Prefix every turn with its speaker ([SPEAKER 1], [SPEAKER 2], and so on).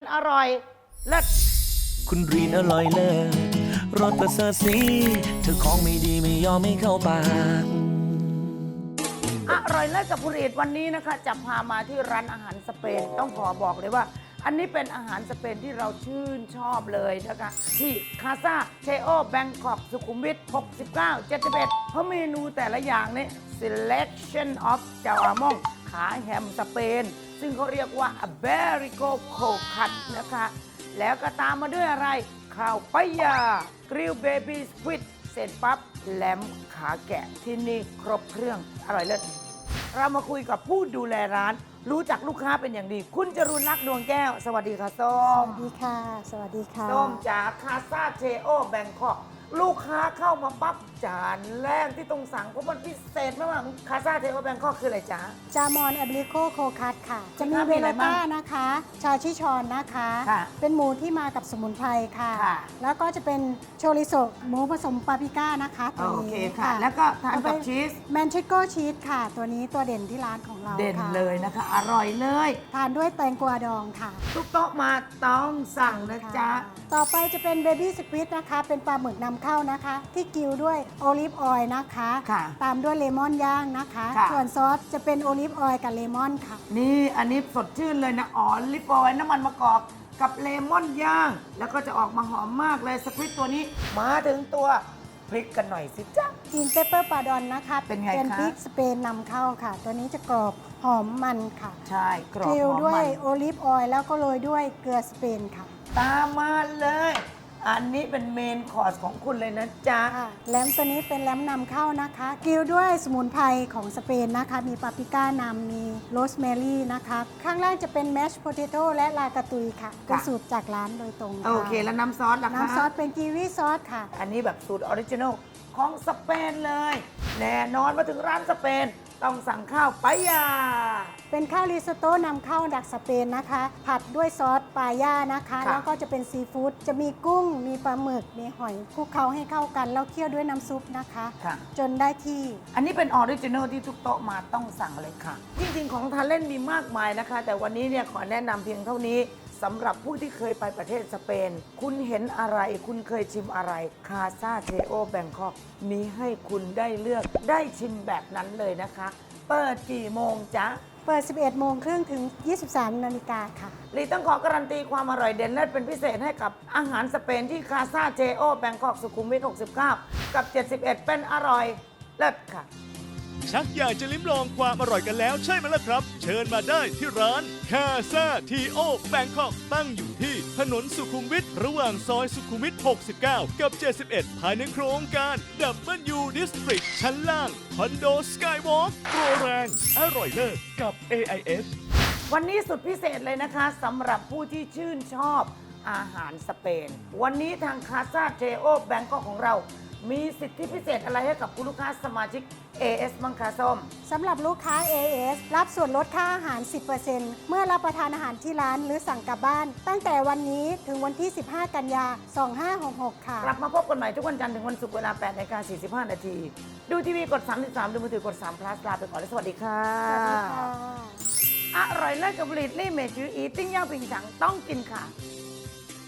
[SPEAKER 1] อร่อยเลิศ
[SPEAKER 2] คุณรีนอร่อยเลิศรสประเสริฐสีเธอของไม่ดีไม่ยอมไม่เข้าปาก
[SPEAKER 1] อร่อยเลิศกับคุณรีดวันนี้นะคะจะพามาที่ร้านอาหารสเปนต้องขอบอกเลยว่า อันนี้เป็นอาหารสเปนที่เราชื่นชอบเลยนะคะที่คาซาเชโอแบงคอกสุขุมวิท69 71เพราะเมนูแต่ละอย่างนี่ selection of เจ้าอามองขาแฮมสเปน ซึ่งเขาเรียกว่า Iberico Cold Cut นะคะแล้วก็ตามมาด้วยอะไรข้าวปายากริลเบบี้สควิดเสร็จปั๊บแหลมขาแกะที่นี่ครบเครื่องอร่อยเลิศเรามาคุยกับผู้ดูแลร้านรู้จักลูกค้าเป็นอย่างดี คุณจรุณลักษณ์ดวงแก้ว สวัสดีค่ะส้
[SPEAKER 3] ส
[SPEAKER 1] ม
[SPEAKER 3] วัสดีค่ะ สวัสดีค่ะ
[SPEAKER 1] ส้มจากคาซาเชโอแบงคอกลูกค้าเข้ามาปั๊บจานแรกที่ต้องสั่งเพราะมันพิเศษมากคาซาเชโอแบงคอกคืออะไรจ๊ะ
[SPEAKER 3] จามอนแอบริโกโคคัตค่ะ จะมี
[SPEAKER 1] มี
[SPEAKER 3] เว
[SPEAKER 1] อะไร
[SPEAKER 3] ลา
[SPEAKER 1] บ้าง
[SPEAKER 3] ต้านะคะ ชาชิชอนนะคะ
[SPEAKER 1] ค่ะ
[SPEAKER 3] เป็นหมูที่มากับสมุนไพรค่ะ
[SPEAKER 1] ค่ะ
[SPEAKER 3] แล้วก็จะเป็นโชริโซหมูผสมปาปริก้านะคะตัว
[SPEAKER 1] โอ
[SPEAKER 3] นี้
[SPEAKER 1] เคค่ะ แล้วก็ทานกับชีส
[SPEAKER 3] แมนเชโกชีสค่ะ ตัวนี้ตัวเด่นที่ร้านของเรา
[SPEAKER 1] เด่น
[SPEAKER 3] ค่ะ
[SPEAKER 1] เลยนะคะ อร่อยเลย
[SPEAKER 3] ทานด้วยแตงกวาดองค่ะ
[SPEAKER 1] ทุกโต๊ะมาต้องสั่งนะจ๊ะ
[SPEAKER 3] ต่อไปจะเป็นเบบี้สควิดนะคะ เป็นปลาหมึกนำเข้านะคะ ที่กิวด้วยโอลิฟออยล์นะคะ
[SPEAKER 1] ค่ะ
[SPEAKER 3] ตามด้วยเลมอนย่างนะคะ
[SPEAKER 1] ค่ะ
[SPEAKER 3] ส่วนซอสจะเป็นโอลิฟออยล์กับเลมอนค่ะ
[SPEAKER 1] นี่อันนี้สดชื่นเลยนะอ๋อลิปออยล์น้ำมันมะกอกกับเลมอนย่าง แล้วก็จะออกมาหอมมากเลยสควิตตัวนี้มาถึงตัวพริกกันหน่อยสิจ๊ะ
[SPEAKER 3] กินเปเปอร์ปาดอนนะคะ
[SPEAKER 1] เป็นไงคะ
[SPEAKER 3] เป็นพริกสเปนนำเข้าค่ะ ตัวนี้จะกรอบหอมมันค่ะ
[SPEAKER 1] ใช่กรอบ
[SPEAKER 3] กริล
[SPEAKER 1] หอม
[SPEAKER 3] ด้ว
[SPEAKER 1] มั
[SPEAKER 3] ย
[SPEAKER 1] น
[SPEAKER 3] โอลิฟออยล์แล้วก็โรยด้วยเกลือสเปนค่ะ
[SPEAKER 1] ตามมาเลย อันนี้เป็นเมนคอร์สของคุณเลยนะจ๊ะ
[SPEAKER 3] แลมตัวนี้เป็นแลมนำเข้านะคะกริลด้วยสมุนไพรของสเปนนะคะ มีปาปริก้านำมีโรสแมรี่นะคะ ข้างล่างจะเป็นแมชโพเตโต้และลากาตุยค่ะ เป็นสูตรจากร้านโดยตรงะ
[SPEAKER 1] โอเคแล้วน้ำซอสล่ะคะ
[SPEAKER 3] น้ำซอสเป็นกีวีซอสค่ะ
[SPEAKER 1] อันนี้แบบสูตรออริจินอลของสเปนเลย แน่นอนมาถึงร้านสเปน ต้องสั่งข้าวปายา
[SPEAKER 3] เป็นข้าวริซอตโต้นำเข้าจากสเปนนะคะ ผัดด้วยซอสปาย่านะคะ
[SPEAKER 1] ค่ะ
[SPEAKER 3] แล้วก็จะเป็นซีฟู้ดจะมีกุ้ง มีปลาหมึก มีหอยคลุกเคล้าให้เข้ากัน แล้วเคี่ยวด้วยน้ำซุปนะคะ
[SPEAKER 1] ค่ะ
[SPEAKER 3] จนได้ที่
[SPEAKER 1] อันนี้เป็นออริจินอลที่ทุกโต๊ะมาต้องสั่งเลยค่ะ จริงๆ ของทานเล่นมีมากมายนะคะ แต่วันนี้เนี่ยขอแนะนำเพียงเท่านี้สำหรับผู้ที่เคยไปประเทศสเปน คุณเห็นอะไรคุณเคยชิมอะไรคาซาเทโอแบงคอกมีให้คุณได้เลือกได้ชิมแบบนั้นเลยนะคะ เปิดกี่โมงจ๊ะ
[SPEAKER 3] เปิด 11 โมงครึ่งถึง 23 นาฬิกาค่ะ
[SPEAKER 1] ลีต้องขอการันตีความอร่อยเด่นเลิศเป็นพิเศษให้กับอาหารสเปนที่คาซาเจโอแบงคอกสุขุมวิท69 กับ 71 เป็นอร่อยเลิศค่ะ
[SPEAKER 4] ชักอยากจะลิ้มลองความอร่อยกันแล้วใช่ไหมล่ะครับ เชิญมาได้ที่ร้านคาซาทีโอแบงคอกตั้งอยู่ที่ถนนสุขุมวิทระหว่างซอยสุขุมวิท 69 กับ 71 ภายในโครงการ W District ชั้นล่างคอนโดสกายวอล์กโปรแรง อร่อยเลิศกับ AIS
[SPEAKER 1] วันนี้สุดพิเศษเลยนะคะสำหรับผู้ที่ชื่นชอบอาหารสเปน วันนี้ทางคาซาเจโอแบงคอกของเรา มีสิทธิพิเศษอะไรให้กับคุณลูกค้าสมาชิก AS มังคาส้ม
[SPEAKER 3] สำหรับลูกค้า AS รับส่วนลดค่าอาหาร 10% เมื่อรับประทานอาหารที่ร้านหรือสั่งกลับบ้าน ตั้งแต่วันนี้ถึงวันที่ 15 กันยา 2566 ค่ะ
[SPEAKER 1] กลับมาพบกันใหม่ทุกวันจันทร์ถึงวันศุกร์เวลา 8:45 นาที ดูทีวีกด 33 ดูมือถือกด3 plus ลาไปก่อนและสวัสดีค่ะ
[SPEAKER 3] สวัสดีค่ะ
[SPEAKER 1] อร่อยเลิศกับผลิตลี่เมจืออีติ้งย่างผิงฉังต้องกินค่ะ